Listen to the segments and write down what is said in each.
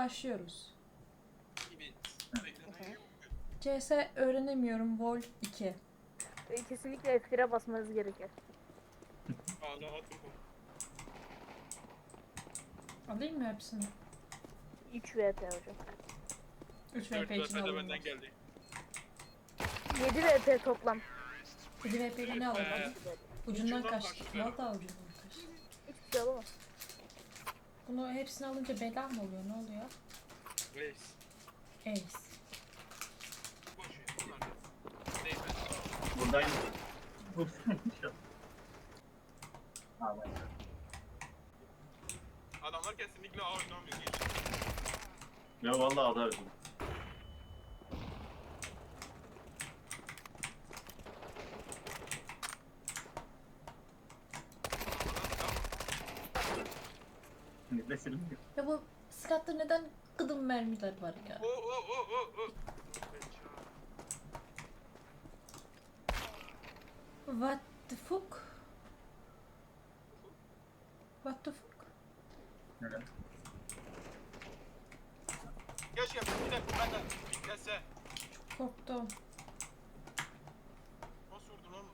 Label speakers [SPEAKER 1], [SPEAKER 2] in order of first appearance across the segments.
[SPEAKER 1] başlıyoruz.
[SPEAKER 2] Gibi.
[SPEAKER 1] CS öğrenemiyorum Vol 2.
[SPEAKER 3] Kesinlikle F1'e basmanız gerekir.
[SPEAKER 2] Hala atım.
[SPEAKER 1] Alayım mı hepsini?
[SPEAKER 3] 3 VP hocam.
[SPEAKER 1] 3
[SPEAKER 2] Evet,
[SPEAKER 1] VP için
[SPEAKER 2] zaten de
[SPEAKER 1] alayım.
[SPEAKER 2] benden geldi.
[SPEAKER 3] 7 VP toplam.
[SPEAKER 1] 7 VP ile ne alalım? Ucundan
[SPEAKER 2] ucundan
[SPEAKER 1] kaçtı.
[SPEAKER 2] kaçtı.
[SPEAKER 1] Vallahi ucundan kaçtı.
[SPEAKER 3] Hiçbir şey alamaz.
[SPEAKER 1] Bunu hepsini alınca bela mı oluyor? Ne oluyor?
[SPEAKER 2] Reis.
[SPEAKER 1] Ace.
[SPEAKER 2] Boş ver. Bunlar da. Neyse.
[SPEAKER 4] Buradayım. Ha, bak.
[SPEAKER 2] Adamlar kesinlikle A oynamıyor. Geç.
[SPEAKER 4] Ya vallahi atarım. Nefesim yok.
[SPEAKER 1] Ya bu silahta neden gıdım mermiler var ya?
[SPEAKER 2] O.
[SPEAKER 1] What the fuck? What the fuck?
[SPEAKER 4] Neden?
[SPEAKER 2] Geç yapın. Bir dakika. Ben de. Bitlese.
[SPEAKER 1] Korktum.
[SPEAKER 2] Nasıl vurdun oğlum?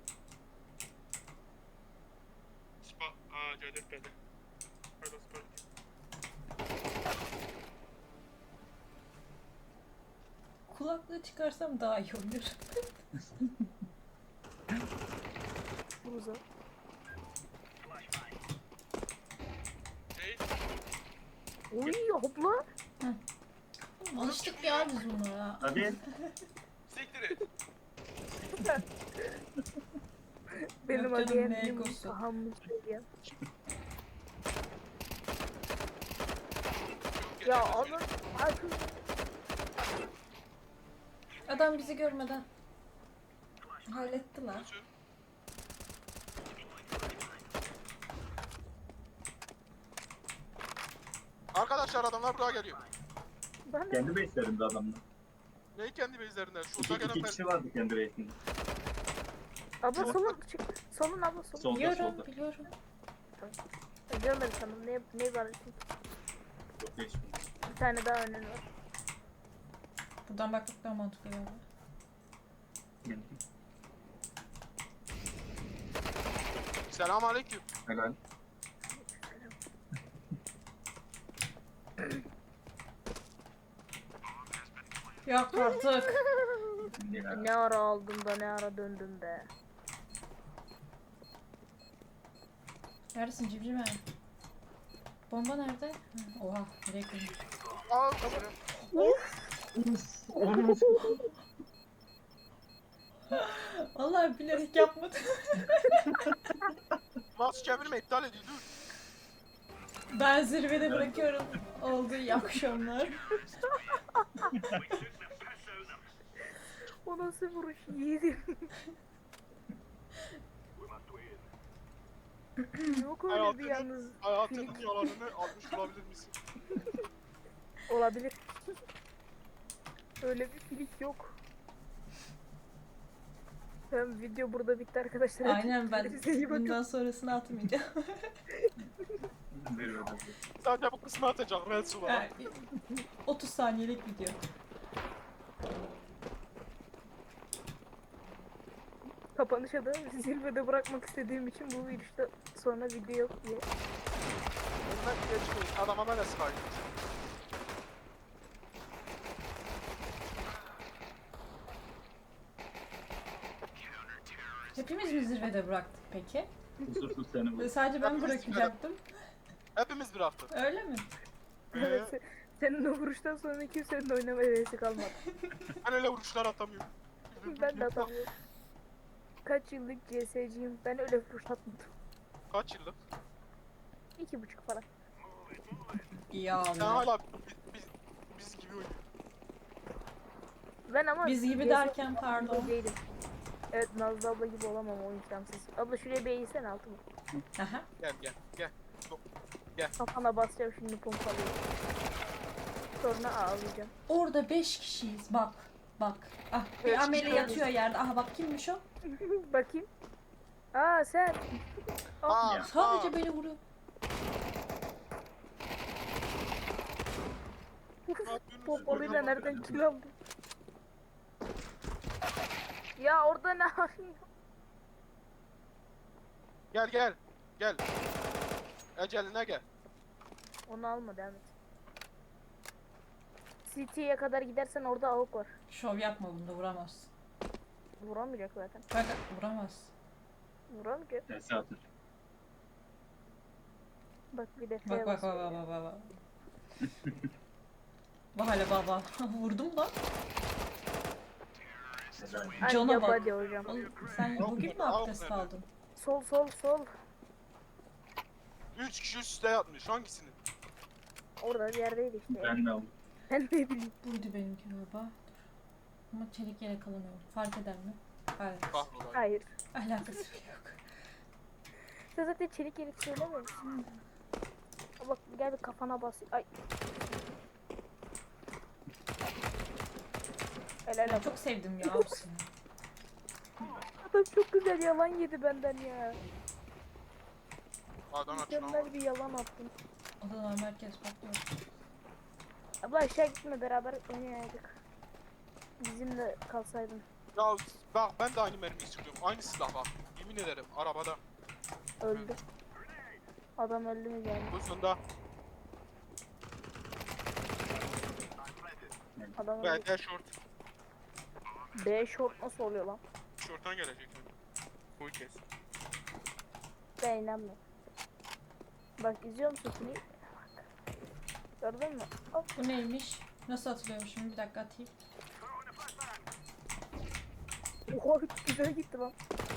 [SPEAKER 2] Spa. Aa C4 geldi. Pardon Spa.
[SPEAKER 1] Kulaklığı çıkarsam daha iyi olur.
[SPEAKER 3] Buza.
[SPEAKER 2] Reis.
[SPEAKER 3] Uy hopla.
[SPEAKER 1] Alıştık ya biz bunlara.
[SPEAKER 4] Hadi.
[SPEAKER 2] Siktir et.
[SPEAKER 3] Benim
[SPEAKER 1] Yok canım,
[SPEAKER 3] adayım
[SPEAKER 1] ne
[SPEAKER 3] benim
[SPEAKER 1] egosu.
[SPEAKER 3] tahammül ya.
[SPEAKER 2] Yok,
[SPEAKER 3] Ya
[SPEAKER 2] geçemez
[SPEAKER 3] alın. Artık
[SPEAKER 1] Adam bizi görmeden halletti lan.
[SPEAKER 2] Nasıl? Arkadaşlar adamlar buraya geliyor.
[SPEAKER 3] ben de
[SPEAKER 4] Kendi base'lerinde adamlar.
[SPEAKER 2] Neyi kendi base'lerinden? Şu
[SPEAKER 4] İki
[SPEAKER 2] gelen
[SPEAKER 4] kişi vardı kendi base'inde.
[SPEAKER 3] abla solun çık. Solun abla solun.
[SPEAKER 4] Solda
[SPEAKER 1] Biliyorum,
[SPEAKER 4] solda.
[SPEAKER 1] biliyorum.
[SPEAKER 3] Görmedim sanırım. Ne var?
[SPEAKER 4] Çok değişik.
[SPEAKER 3] Bir tane daha önün var.
[SPEAKER 1] Buradan bakmak daha mantıklı galiba.
[SPEAKER 2] Selam aleyküm.
[SPEAKER 4] Helal.
[SPEAKER 1] Yok artık.
[SPEAKER 4] Ya.
[SPEAKER 3] Ne ara aldım da ne ara döndüm be.
[SPEAKER 1] Neredesin civciv? Bomba nerede? Hı, oha, nereye koydun?
[SPEAKER 2] Al kamerayı.
[SPEAKER 1] Vallahi bilerek yapmadım.
[SPEAKER 2] Mouse çevirme iptal ediyor dur.
[SPEAKER 1] Ben zirvede bırakıyorum. Oldu iyi akşamlar.
[SPEAKER 3] O nasıl vuruş yedim. Yok öyle bir
[SPEAKER 2] Hayatının-
[SPEAKER 3] yalnız.
[SPEAKER 2] Hayatının
[SPEAKER 3] Filik.
[SPEAKER 2] yalanını almış olabilir misin?
[SPEAKER 3] Olabilir. Öyle bir filik yok. Ben video burada bitti arkadaşlar.
[SPEAKER 1] Aynen, ben
[SPEAKER 3] Kendinize iyi bakın.
[SPEAKER 1] bundan sonrasını atmayacağım.
[SPEAKER 2] Sadece bu kısmı atacak Red Su var.
[SPEAKER 1] Yani 30 saniyelik video.
[SPEAKER 3] Kapanışa da zirvede bırakmak istediğim için bu virüste sonra video yok diye.
[SPEAKER 2] Bunlar geçmeyin. Adama ben de sıkayım.
[SPEAKER 1] Hepimiz mi zirvede bıraktık peki?
[SPEAKER 4] Kusursuz seni bu.
[SPEAKER 1] Sadece ben
[SPEAKER 2] Hepimiz
[SPEAKER 1] bırakacaktım.
[SPEAKER 2] Hepimiz bir hafta.
[SPEAKER 1] Öyle mi?
[SPEAKER 3] Evet. Senin o vuruştan sonra kimsenin de oynama hevesi kalmadı.
[SPEAKER 2] Ben öyle vuruşlar atamıyorum.
[SPEAKER 3] Ben de atamıyorum. Kaç yıllık CS'ciyim. Ben öyle vuruş atmadım.
[SPEAKER 2] Kaç yıllık?
[SPEAKER 3] 2,5 falan.
[SPEAKER 1] Ya
[SPEAKER 2] Sen
[SPEAKER 1] Allah.
[SPEAKER 2] hala biz gibi oynuyorsun.
[SPEAKER 3] Ben ama
[SPEAKER 1] Biz gibi
[SPEAKER 3] CS
[SPEAKER 1] derken pardon.
[SPEAKER 3] değilim. Evet, Nazlı abla gibi olamam o imkansız. Abla şuraya bir eğilsene altıma.
[SPEAKER 1] Aha.
[SPEAKER 2] Gel.
[SPEAKER 3] Kafana basacağım şimdi pompalıyı. Sonra ağlayacağım.
[SPEAKER 1] Orada 5 kişiyiz. Bak. Bak. Ah,
[SPEAKER 2] Beş
[SPEAKER 1] bir ameli
[SPEAKER 2] kişi
[SPEAKER 1] yatıyor yerde. Aha bak, kimmiş o?
[SPEAKER 3] Bakayım. Aa sen.
[SPEAKER 2] Aa,
[SPEAKER 1] Sadece beni vuruyor.
[SPEAKER 3] Pompalıyla nereden kill aldın? Ya orada ne yapıyorsun?
[SPEAKER 2] Gel gel. Gel. Eceline gel.
[SPEAKER 3] Onu alma, devam et. CT'ye kadar gidersen orada avuk var.
[SPEAKER 1] Şov yapma, bunda vuramaz.
[SPEAKER 3] Vuramayacak zaten.
[SPEAKER 1] Bak vuramaz.
[SPEAKER 3] Vuramayacak.
[SPEAKER 4] Tersi atır.
[SPEAKER 3] Bak bir de F
[SPEAKER 1] Bak bak bak
[SPEAKER 3] basıyor.
[SPEAKER 1] bak bak bak. Bak hala baba. Vurdum lan.
[SPEAKER 4] Helal.
[SPEAKER 3] Ay,
[SPEAKER 1] Cana
[SPEAKER 3] yap
[SPEAKER 1] bak.
[SPEAKER 3] hadi hocam.
[SPEAKER 1] Oğlum, sen bugün mü abdest aldın?
[SPEAKER 3] Sol sol sol.
[SPEAKER 2] 3 kişi üst üste yatmış. Hangisini?
[SPEAKER 3] Orada bir yerdeydi işte. ya.
[SPEAKER 4] Ben de aldım.
[SPEAKER 3] Ben ne bileyim.
[SPEAKER 1] Buydu benimki galiba. Dur. Ama çelik yelek alamıyorum. Fark eder mi? Evet.
[SPEAKER 2] Kahrolay.
[SPEAKER 3] Hayır.
[SPEAKER 1] Alakası yok.
[SPEAKER 3] Sen zaten çelik yelek söylememişsin. Bak gel bir kafana bas. Ay. Helal
[SPEAKER 1] Ben
[SPEAKER 3] olsun.
[SPEAKER 1] çok sevdim ya bu seni.
[SPEAKER 3] Adam çok güzel yalan yedi benden ya.
[SPEAKER 2] A'dan açın ama.
[SPEAKER 3] Mükemmel bir yalan attın.
[SPEAKER 1] Odalar merkez patlıyor.
[SPEAKER 3] Abla aşağı gitme, beraber oynayaydık. Bizimle kalsaydın.
[SPEAKER 2] Ya bak ben de aynı mermiyi sıkıyorum. Aynı silah bak. Yemin ederim arabada.
[SPEAKER 3] Öldü. Adam öldü mü yani?
[SPEAKER 2] Uzunda.
[SPEAKER 3] Adam öldü.
[SPEAKER 2] Ben de short.
[SPEAKER 3] B short nasıl oluyor lan?
[SPEAKER 2] Short'tan gelecek. Koy kes.
[SPEAKER 3] Ben inanmıyorum. Bak izliyor musun seni? Bak. Gördün mü? Hop.
[SPEAKER 1] Bu neymiş? Nasıl atılıyormuş şimdi? Bir dakika atayım.
[SPEAKER 3] Oha güzel gitti lan.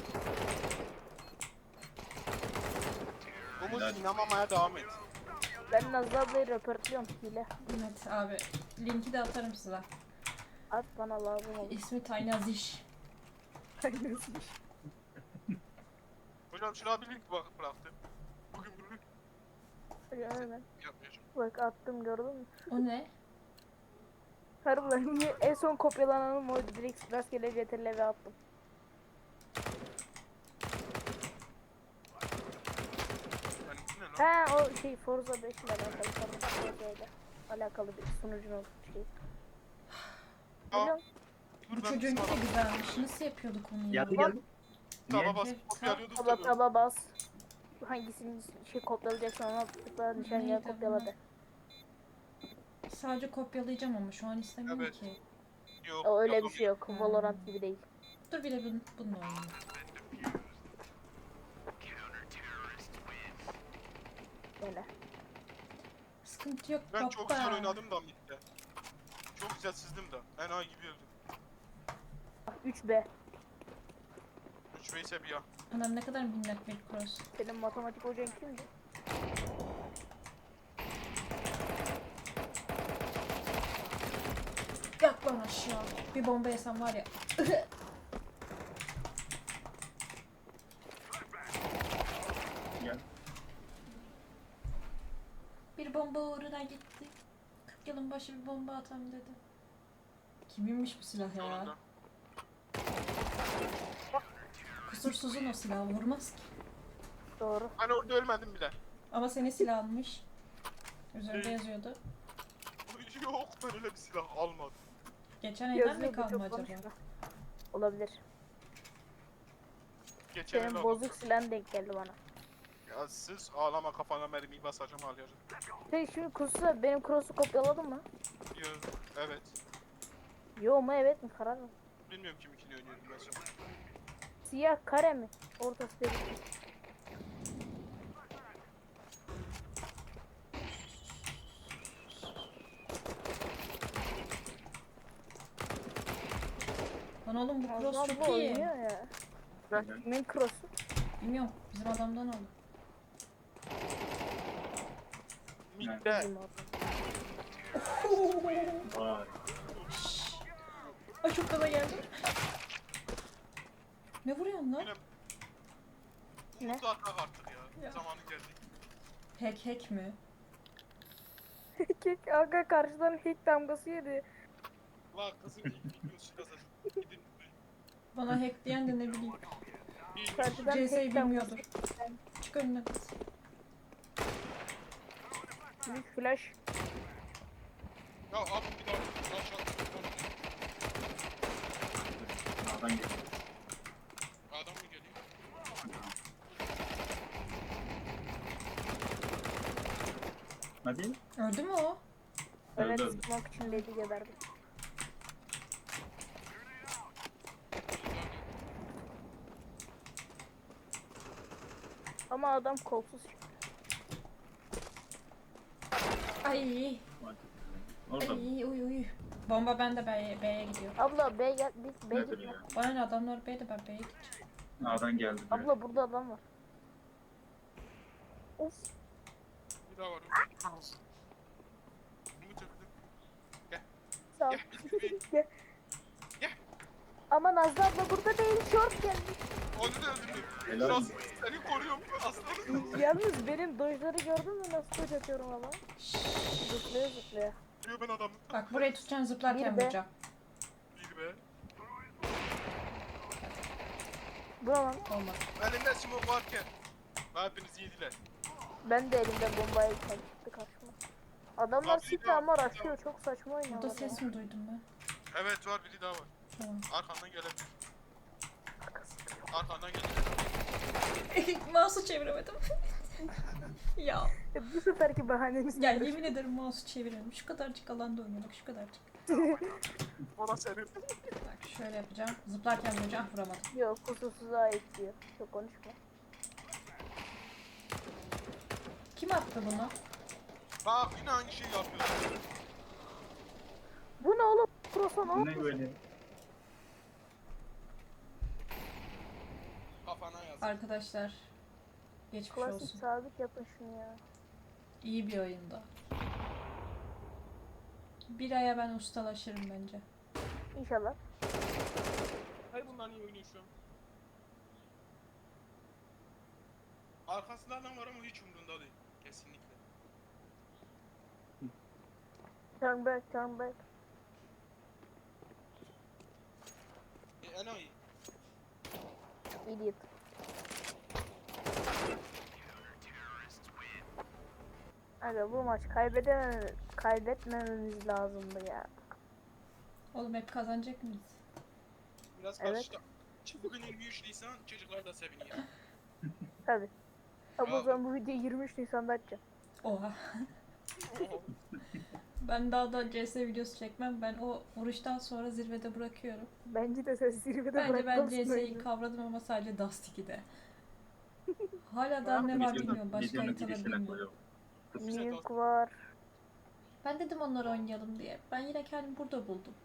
[SPEAKER 2] Umut
[SPEAKER 4] Helal.
[SPEAKER 2] inanmamaya devam et.
[SPEAKER 3] Ben Nazlı ablayı röportluyorum hile.
[SPEAKER 1] Evet abi. Linki de atarım size.
[SPEAKER 3] At bana lazım olur.
[SPEAKER 1] İsmi Taynaziş.
[SPEAKER 2] Hocam şuna bir link bıraktım. Bugün bunu
[SPEAKER 3] Hemen.
[SPEAKER 2] yapmayacağım.
[SPEAKER 3] Bak attım, gördün mü?
[SPEAKER 1] O ne?
[SPEAKER 3] Harbiden niye en son kopyalananım o, direkt rastgele CTRL'e attım.
[SPEAKER 2] Benimki ne lan?
[SPEAKER 3] He o şey Forza 5 ile alakalı, Forza ile alakalı bir sunucunun şey.
[SPEAKER 2] Aa,
[SPEAKER 3] Biliyorum.
[SPEAKER 1] Bu
[SPEAKER 2] dur ben
[SPEAKER 1] çocuğunki de
[SPEAKER 2] sana
[SPEAKER 1] güzelmiş. Nasıl yapıyorduk onu ya?
[SPEAKER 4] Geldi geldi.
[SPEAKER 2] taba
[SPEAKER 4] Niye?
[SPEAKER 2] basıp
[SPEAKER 1] Evet,
[SPEAKER 2] kopyalıyorduk
[SPEAKER 3] Taba
[SPEAKER 2] tabii.
[SPEAKER 3] taba bas. Hangisini şey kopyalayacaksan ona tıkla, nişangahı
[SPEAKER 1] Neydi
[SPEAKER 3] kopyala
[SPEAKER 1] bu?
[SPEAKER 3] de.
[SPEAKER 1] Sadece kopyalayacağım ama şu an istemiyorum
[SPEAKER 2] Evet.
[SPEAKER 1] ki.
[SPEAKER 2] Yok.
[SPEAKER 3] O öyle
[SPEAKER 2] yok,
[SPEAKER 3] bir şey yok.
[SPEAKER 1] Hmm.
[SPEAKER 3] Valorant gibi değil.
[SPEAKER 1] Dur bir de bununla oynayayım.
[SPEAKER 3] Böyle.
[SPEAKER 1] Sıkıntı yok
[SPEAKER 2] Ben
[SPEAKER 1] baba.
[SPEAKER 2] çok güzel oynadım da midde. Çok güzel sızdım da. Enayi gibi öldüm.
[SPEAKER 3] Bak 3B.
[SPEAKER 2] 3 vs bir ya.
[SPEAKER 1] Anam ne kadar minnak bir cross.
[SPEAKER 3] Senin matematik hocan kimdi?
[SPEAKER 1] Yak lan aşağı. Bir bomba yesem var ya.
[SPEAKER 4] Gel.
[SPEAKER 1] Bir bomba uğruna gitti. 40 yılın başı bir bomba atam dedi. Kiminmiş bu silah ya?
[SPEAKER 2] Yolunda.
[SPEAKER 1] Kusursuzun o silahı vurmaz ki.
[SPEAKER 3] Doğru.
[SPEAKER 2] Ben orada ölmedim bile.
[SPEAKER 1] Ama senin silahınmış. Üzerinde yazıyordu.
[SPEAKER 2] Yok ben öyle bir silah almadım.
[SPEAKER 1] Geçen elden mi
[SPEAKER 3] Yazıyordu,
[SPEAKER 1] kalma
[SPEAKER 3] çok
[SPEAKER 1] acaba?
[SPEAKER 3] konuşma. Olabilir.
[SPEAKER 2] Geçen el
[SPEAKER 3] Senin
[SPEAKER 2] aldım.
[SPEAKER 3] bozuk silahın denk geldi bana.
[SPEAKER 2] Ya siz ağlama kafana mermiyi basacağım alacağım.
[SPEAKER 3] Sen şimdi kursu, benim cross'u kopyaladın mı?
[SPEAKER 2] Yo, evet.
[SPEAKER 3] Yo mu evet mi, karar mı?
[SPEAKER 2] Bilmiyorum kiminkini oynuyordum ben şimdi.
[SPEAKER 3] Siyah kare mi? Ortası değil.
[SPEAKER 1] Lan oğlum bu cross
[SPEAKER 3] Allah
[SPEAKER 1] çok
[SPEAKER 3] bu
[SPEAKER 1] iyi.
[SPEAKER 3] oynuyor ya.
[SPEAKER 4] Helal.
[SPEAKER 3] Kimin cross'u?
[SPEAKER 1] Bilmiyorum. Bizim adamdan aldım.
[SPEAKER 2] Midde.
[SPEAKER 3] Bizim adam.
[SPEAKER 4] Vay.
[SPEAKER 1] Ay çok gaza geldim. Ne vuruyorsun lan?
[SPEAKER 2] Yine
[SPEAKER 3] Ne?
[SPEAKER 2] Umut'u atak artık ya.
[SPEAKER 1] Ya.
[SPEAKER 2] Zamanı geldi.
[SPEAKER 1] Hack mi?
[SPEAKER 3] Kek aga karşıdan hack damgası yedi.
[SPEAKER 2] La kızım ilk videosu kazandı. Gidin.
[SPEAKER 1] Bana hack diyen de ne bileyim.
[SPEAKER 3] Karşıdan
[SPEAKER 1] CS'yi
[SPEAKER 3] hack damgası.
[SPEAKER 1] bilmiyordur. Çık önüne kız.
[SPEAKER 3] Büyük flash.
[SPEAKER 2] Ya abi bir daha. Adam mı geliyor?
[SPEAKER 4] Hadi.
[SPEAKER 1] Öldü mü o?
[SPEAKER 3] Evet,
[SPEAKER 4] Öldü.
[SPEAKER 3] smoke içindeydi, geberdi. Ama adam kolsuz çıktı.
[SPEAKER 1] Ay.
[SPEAKER 4] Orada mı?
[SPEAKER 1] Ay uy. Bomba bende B'ye gidiyor.
[SPEAKER 3] Abla B gel, biz B
[SPEAKER 4] Nedir
[SPEAKER 3] gitme.
[SPEAKER 4] ya?
[SPEAKER 1] Bana ne, adamlar B'de, ben B'ye gideceğim.
[SPEAKER 4] A'dan geldi. Böyle.
[SPEAKER 3] Abla burada adam var. Of.
[SPEAKER 2] Bir daha var. Bunu çöktüm.
[SPEAKER 3] Sağ ol.
[SPEAKER 2] Gel. Gel.
[SPEAKER 3] Gel.
[SPEAKER 2] Gel.
[SPEAKER 3] Ama Nazlı abla burada değil, short geldi.
[SPEAKER 2] Onu da öldürdüm.
[SPEAKER 4] Helal
[SPEAKER 2] Şans,
[SPEAKER 4] olsun.
[SPEAKER 2] seni koruyorum aslanım.
[SPEAKER 3] Yalnız benim dojları gördün mü, nasıl doj atıyorum ama? Zıplaya zıplaya.
[SPEAKER 2] Diyor ben adamım.
[SPEAKER 1] Bak burayı tutacaksın, zıplarken
[SPEAKER 3] Bir de-
[SPEAKER 1] vuracağım.
[SPEAKER 2] Bir be.
[SPEAKER 3] Buna lan.
[SPEAKER 1] Olmaz.
[SPEAKER 2] Elimde smoke varken. Hepiniz yediler.
[SPEAKER 3] Ben de elimde bombayı çıktı karşıma. Adamlar
[SPEAKER 2] Abi,
[SPEAKER 3] site
[SPEAKER 2] ya.
[SPEAKER 3] ama rushlıyor, çok saçma oynuyorlar.
[SPEAKER 1] Burada ses mi duydum ben?
[SPEAKER 2] Evet var, biri daha var.
[SPEAKER 1] Tamam.
[SPEAKER 2] Arkandan gelebilir.
[SPEAKER 3] Arkası.
[SPEAKER 2] Arkandan gelebilir.
[SPEAKER 1] Mouse'u çeviremedim. ya.
[SPEAKER 3] Bu seferki bahaneniz
[SPEAKER 1] Ya
[SPEAKER 3] nedir?
[SPEAKER 1] yemin ederim mouse'u çeviremedim. Şu kadarcık alanda oynuyorduk, şu kadarcık.
[SPEAKER 2] O da senin.
[SPEAKER 1] Bak şöyle yapacağım. Zıplarken vuracağım, vuramadım.
[SPEAKER 3] Yok, kusursuza ait diyor. Çok konuşma.
[SPEAKER 1] Kim attı bunu?
[SPEAKER 2] Bak yine aynı şeyi yapıyorsun.
[SPEAKER 3] Bu ne oğlum? Prosa ne
[SPEAKER 4] Bu ne
[SPEAKER 3] oldu?
[SPEAKER 4] böyle?
[SPEAKER 2] Kafana yaz.
[SPEAKER 1] Arkadaşlar. Geçmiş
[SPEAKER 3] Klasik
[SPEAKER 1] olsun.
[SPEAKER 3] sabit yapın şunu ya.
[SPEAKER 1] İyi bir oyunda. Bir aya ben ustalaşırım bence.
[SPEAKER 3] İnşallah.
[SPEAKER 2] Hayır bunlar niye oynuyor şu an? Arkasında adam var ama hiç umurunda değil. Kesinlikle.
[SPEAKER 3] Turn back, turn back.
[SPEAKER 2] Enayi.
[SPEAKER 3] Idiot. Aga bu maç kaybetmememiz lazımdı ya.
[SPEAKER 1] Oğlum hep kazanacak mıyız?
[SPEAKER 2] Biraz
[SPEAKER 3] Evet.
[SPEAKER 2] karıştı. Bugün 23 Nisan, çocuklar da seviniyor.
[SPEAKER 3] Tabi. Ama o
[SPEAKER 2] Abi.
[SPEAKER 3] zaman bu videoyu 23 Nisan'da açacağım.
[SPEAKER 1] Oha. Ben daha da CS videosu çekmem. Ben o vuruştan sonra zirvede bırakıyorum.
[SPEAKER 3] Bence de sen zirvede
[SPEAKER 1] Bence ben
[SPEAKER 3] bırakmalısın
[SPEAKER 1] CS'yi
[SPEAKER 3] oyunu.
[SPEAKER 1] kavradım ama sadece Dust 2'de. Hala daha ne var bilmiyorum. Başka haritaları bilmiyorum.
[SPEAKER 4] koyalım.
[SPEAKER 3] Nuke var.
[SPEAKER 1] Ben dedim onları oynayalım diye. Ben yine kendimi burada buldum.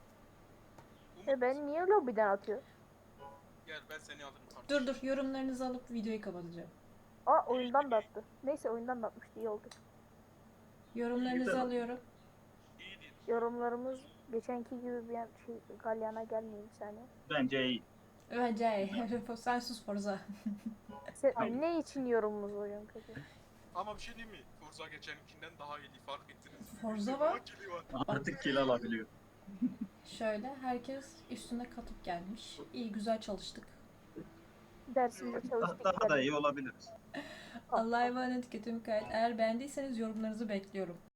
[SPEAKER 3] Ben niye lobiden atıyor?
[SPEAKER 2] Gel ben seni alırım kardeşim.
[SPEAKER 1] Dur yorumlarınızı alıp videoyu kapatacağım.
[SPEAKER 3] Aa, oyundan da attı. Neyse, oyundan da atmıştı, iyi oldu.
[SPEAKER 1] Yorumlarınızı
[SPEAKER 4] Güzel.
[SPEAKER 1] alıyorum.
[SPEAKER 2] İyi değil.
[SPEAKER 3] Yorumlarımız geçenki gibi bir şey, galyana gelmiyor bir saniye.
[SPEAKER 4] Bence iyi.
[SPEAKER 1] Bence sen sus Forza.
[SPEAKER 3] Sen,
[SPEAKER 4] Tamam.
[SPEAKER 3] ne için yorumumuz hocam peki?
[SPEAKER 2] Ama bir şey diyeyim mi? Forza geçenkinden daha iyi fark ettiniz.
[SPEAKER 1] Forza var.
[SPEAKER 2] Kili var.
[SPEAKER 4] Artık kill alabiliyor.
[SPEAKER 1] Şöyle herkes üstüne katıp gelmiş. İyi güzel çalıştık.
[SPEAKER 3] Dersinde çalıştık.
[SPEAKER 4] Daha da iyi olabiliriz.
[SPEAKER 1] Allah'a emanet, kötü mükayet. Eğer beğendiyseniz yorumlarınızı bekliyorum.